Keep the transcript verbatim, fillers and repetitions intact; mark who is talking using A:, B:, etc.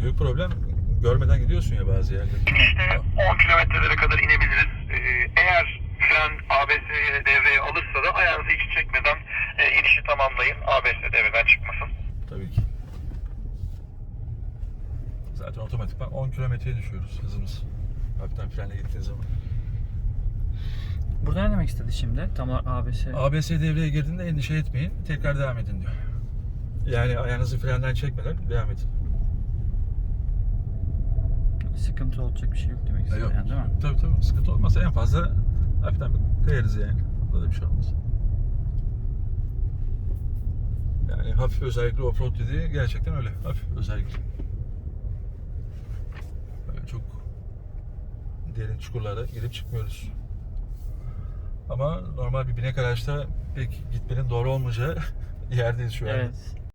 A: büyük problem görmeden gidiyorsun ya bazı yerlere.
B: İşte on kilometrelere kadar inebiliriz. Ee, eğer fren A B S'ye devreye alırsa da ayağınızı hiç çekmeden e, inişi tamamlayın. A B S devreden çıkmasın.
A: Tabii ki. Zaten otomatikman on kilometreye düşüyoruz hızımız. Hafiften frenle gittiğin zaman.
C: Burada ne demek istedi şimdi? Tam olarak A B S.
A: A B S devreye girdiğinde endişe etmeyin. Tekrar devam edin diyor. Yani ayağınızı frenden çekmeden devam edin.
C: Sıkıntı olacak bir şey yok demek istedi
A: Yok.
C: yani, değil mi?
A: Tabii tabii. Sıkıntı olmazsa en fazla hafiften bir kayarız yani. Burada da bir şey olmaz. Yani hafif özellikle offroad dediği gerçekten öyle. Hafif özellikle. Böyle çok derin çukurlara girip çıkmıyoruz. Ama normal bir binek araçta pek gitmenin doğru olmayacağı yerdeyiz şu an.
C: Evet.